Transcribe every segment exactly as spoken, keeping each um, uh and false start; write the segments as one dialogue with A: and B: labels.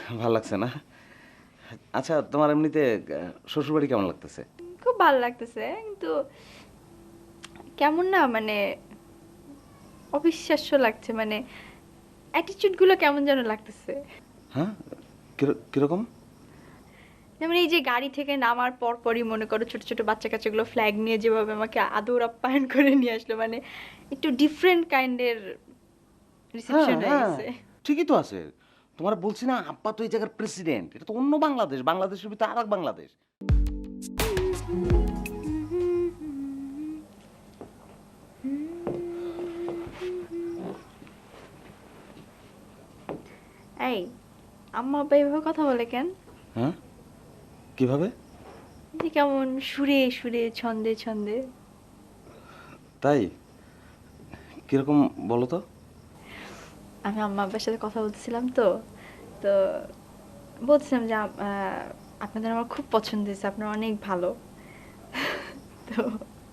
A: ভালো লাগছে না? আচ্ছা, তোমার এমনিতে শ্বশুরবাড়ি কেমন লাগতেছে?
B: খুব ভালো লাগতেছে, কিন্তু কেমন না মানে অবিশ্বাস্য লাগছে, মানে অ্যাটিটিউড গুলো কেমন যেন লাগতেছে।
A: হ্যাঁ, কির- কিরকম?
B: যেমন এই যে গাড়ি থেকে নামার পর পরই মনে করো ছোট ছোট বাচ্চা কাচ্চাগুলো ফ্ল্যাগ নিয়ে যেভাবে আমাকে আদর আপ্যায়ন করে নিয়ে আসলো, মানে একটু ডিফারেন্ট কাইন্ডের
A: হ্যাঁ
B: রিসেপশন হয়ে
A: হ্যাঁ,
B: গেছে।
A: ঠিকই তো আছে। তোমার বলছি না, আব্বা তো এই জায়গার প্রেসিডেন্ট। এটা তো অন্য বাংলাদেশ, বাংলাদেশের ভিতরে আর এক বাংলাদেশ।
B: এই আম্মা আব্বা এভাবে কথা বলে কেন?
A: হ্যাঁ, কিভাবে?
B: এই যে কেমন সুরে সুরে ছন্দে ছন্দে।
A: তাই? কিরকম বলো তো?
B: আমি আম্মা আব্বার সাথে কথা বলতেছিলাম তো তো বলছিলাম যে আম- আহ, আপনাদের আমার খুব পছন্দ হয়েছে, আপনারা অনেক ভালো। তো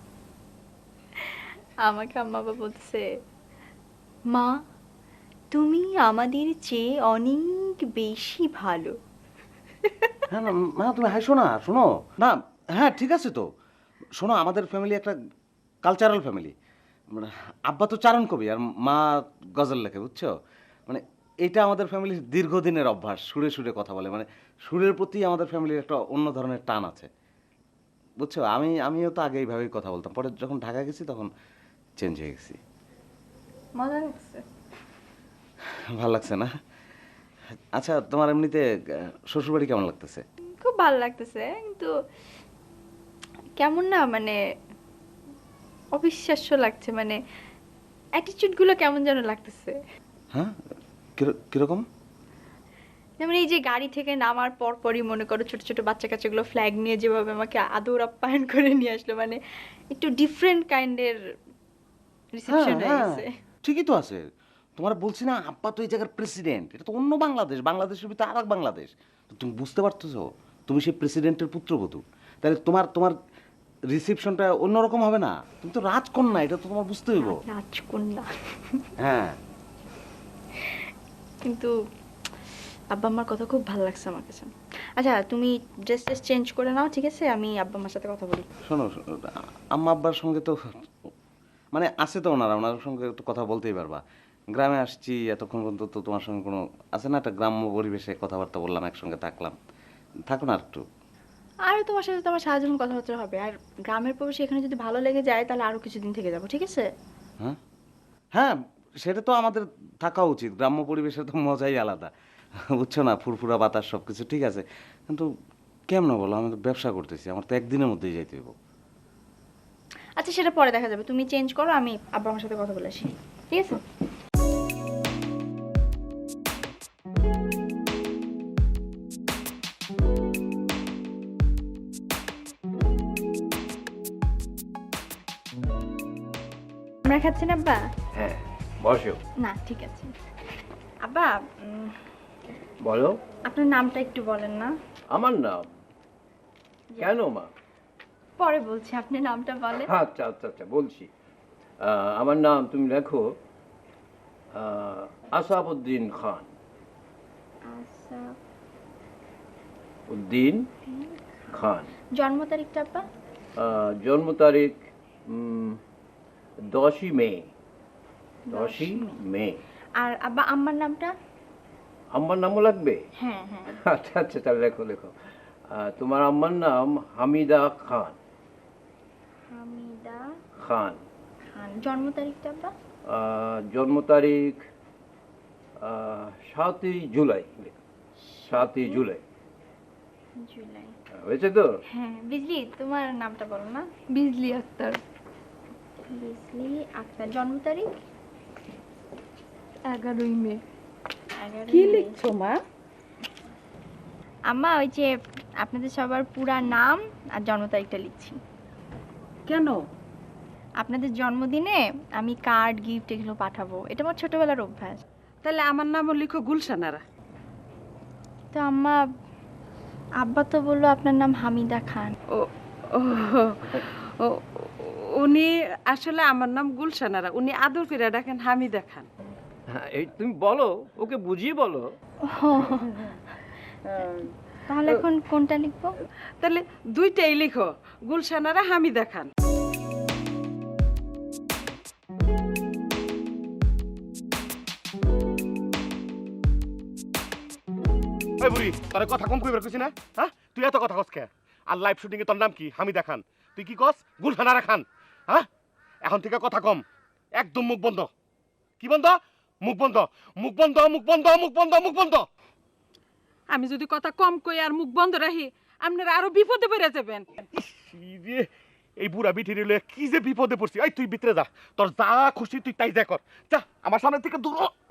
B: আমাকে আম্মা বাবা বলতেছে, মা তুমি আমাদের চেয়ে অনেক বেশি ভালো।
A: হ্যাঁ না, মা তুমি হাসো না, শোনো না। হ্যাঁ, ঠিক আছে তো। শোনো, আমাদের ফ্যামিলি একটা কালচারাল ফ্যামিলি। মানে আব্বা তো চারণ কবি আর মা গজল লেখে, বুঝছো? মানে এটা আমাদের ফ্যামিলির দীর্ঘদিনের অভ্যাস, সুরে সুরে কথা বলে। মানে সুরের প্রতি আমাদের ফ্যামিলির একটা অন্য ধরনের টান আছে, বুঝছো? আমি আমিও তো আগে এইভাবেই কথা বলতাম, পরে যখন ঢাকা গেছি তখন চেঞ্জ হয়ে গেছি।
B: মজা লাগছে।
A: ভালো লাগছে না? আচ্ছা, তোমার এমনিতে শ্বশুরবাড়ি কেমন লাগতেছে?
B: খুব ভালো লাগতেছে, কিন্তু কেমন না মানে অবিশ্বাস্য লাগছে, মানে অ্যাটিটিউড গুলো কেমন যেন লাগতেছে।
A: হ্যাঁ, কির- কিরকম?
B: যেমন এই যে গাড়ি থেকে নামার পর পরই মনে করো ছোট ছোট বাচ্চা কাচ্চাগুলো ফ্ল্যাগ নিয়ে যেভাবে আমাকে আদর আপ্যায়ন করে নিয়ে আসলো, মানে একটু ডিফারেন্ট কাইন্ডের
A: হ্যাঁ
B: রিসেপশন হয়ে
A: হ্যাঁ,
B: গেছে।
A: ঠিকই তো আছে। তোমার বলছি না, আব্বা তো এই জায়গার প্রেসিডেন্ট। এটা তো অন্য বাংলাদেশ, বাংলাদেশের ভিতরে আর এক বাংলাদেশ। তো তুমি বুঝতে পারতেছো? তুমি সেই প্রেসিডেন্টের পুত্রবধূ। তাহলে তোমার তোমার রিসেপশনটা অন্যরকম হবে না? তুমি তো রাজকন্যা, এটা তো তোমার বুঝতে হইব।
B: রাজকন্যা।
A: হ্যাঁ।
B: কিন্তু আব্বা আমার কথা খুব ভালো লাগছে আমার কাছে। আচ্ছা তুমি ড্রেস ট্রেস চেঞ্জ করে নাও, ঠিক আছে? আমি আব্বা আমার সাথে কথা বলি।
A: শোনো, শোনো, আম্মা আব্বার সঙ্গে তো মানে আছে তো ওনারা, ওনার সঙ্গে একটু কথা বলতেই পারবা। গ্রামে আসছি এতক্ষণ পর্যন্ত, তো তোমার সঙ্গে কোনো আছে না, একটা গ্রাম্য পরিবেশে কথাবার্তা বললাম, একসঙ্গে থাকলাম। থাকো না একটু।
B: আর তোমার সাথে তো আমার সারা জীবন কথাবার্তা হবে, আর গ্রামের পরিবেশ এখানে যদি ভালো লেগে যায় তাহলে আরো কিছুদিন থেকে যাবো, ঠিক আছে?
A: হ্যাঁ হ্যাঁ, সেটা তো আমাদের থাকা উচিত। গ্রাম্য পরিবেশের তো মজাই আলাদা, বুঝছো না? ফুরফুরা বাতাস, সব কিছু ঠিক আছে, কিন্তু কেমন বলো, আমি তো ব্যবসা করতেছি, আমার তো একদিনের মধ্যেই যাইতে হইব।
B: আচ্ছা সেটা পরে দেখা যাবে, তুমি চেঞ্জ করো, আমি আব্বা আমার সাথে কথা বলে আসি, ঠিক আছে? আমরা খাচ্ছেন আব্বা?
C: হ্যাঁ, বসো।
B: না ঠিক আছে। আব্বা উম,
C: বলো।
B: আপনার নামটা একটু বলেন না।
C: আমার নাম? কেন মা?
B: পরে বলছি, আপনি নামটা বলেন।
C: আচ্ছা আচ্ছা আচ্ছা, বলছি। আহ, আমার নাম তুমি লেখো আহ, আসাবউদ্দিন খান।
B: আচ্ছা।
C: উদ্দিন খান।
B: জন্ম তারিখটা আব্বা?
C: আহ, জন্ম তারিখ উম, দশই মে। দশই মে।
B: আর আব্বা আম্মার নামটা?
C: আম্মার নামও লাগবে?
B: হ্যাঁ হ্যাঁ।
C: আচ্ছা আচ্ছা, তাহলে লেখো লেখো। আহ, তোমার আম্মার নাম হামিদা খান।
B: হামিদা
C: খান।
B: খান। জন্ম তারিখটা আব্বা?
C: আহ, জন্ম তারিখ আহ, সাতই জুলাই। সাতই জুলাই।
B: জুলাই।
C: হয়েছে তো?
B: হ্যাঁ। বিজলি, তোমার নামটা বলো না।
D: বিজলি আক্তার।
B: বিজলি আক্তার। জন্ম তারিখ?
D: এগারোই মে।
B: এগারোই
D: কি
B: মে।
D: লিখছো মা?
B: আম্মা ওই যে আপনাদের সবার পুরা নাম আর জন্ম তারিখটা লিখছি।
D: কেন?
B: আপনাদের জন্মদিনে আমি কার্ড গিফট এগুলো পাঠাবো, এটা আমার ছোটবেলার অভ্যাস।
D: তাহলে আমার নামও লিখো গুলশানারা।
B: তো আম্মা, আব্বা তো বললো আপনার নাম হামিদা খান।
D: ও ও ও, উনি আসলে আমার নাম গুলশানারা, উনি আদর করে ডাকেন হামিদা খান।
C: হ্যাঁ, এই তুমি বলো, ওকে বুঝিয়ে বলো।
B: ও, তাহলে এখন কোনটা লিখবো?
D: তাহলে দুইটাই লিখো, গুলশানারা হামিদা খান।
E: ওই বুড়ি তোর কথা কম কইবার কইছি না? হ্যাঁ তুই এত কথা কস কে? আর লাইভ শুটিং এ তোর নাম কি? হামিদা খান। তুই কি কস? গুলশানারা খান। হ্যাঁ এখন থেকে কথা কম, একদম মুখ বন্ধ। কি বন্ধ? মুখ বন্ধ, মুখ বন্ধ, মুখ বন্ধ, মুখ বন্ধ, মুখ বন্ধ।
D: আমি যদি কথা কম কই আর মুখ বন্ধ রাখি আপনারা আরো বিপদে পড়ে যাবেন।
E: কি রে, এই বুড়া বিঠি রে কি যে বিপদে পড়ছি। এই তুই ভিতরে যা, তোর যা খুশি তুই তাই যা কর। যা আমার সামনে থেকে দূর হ।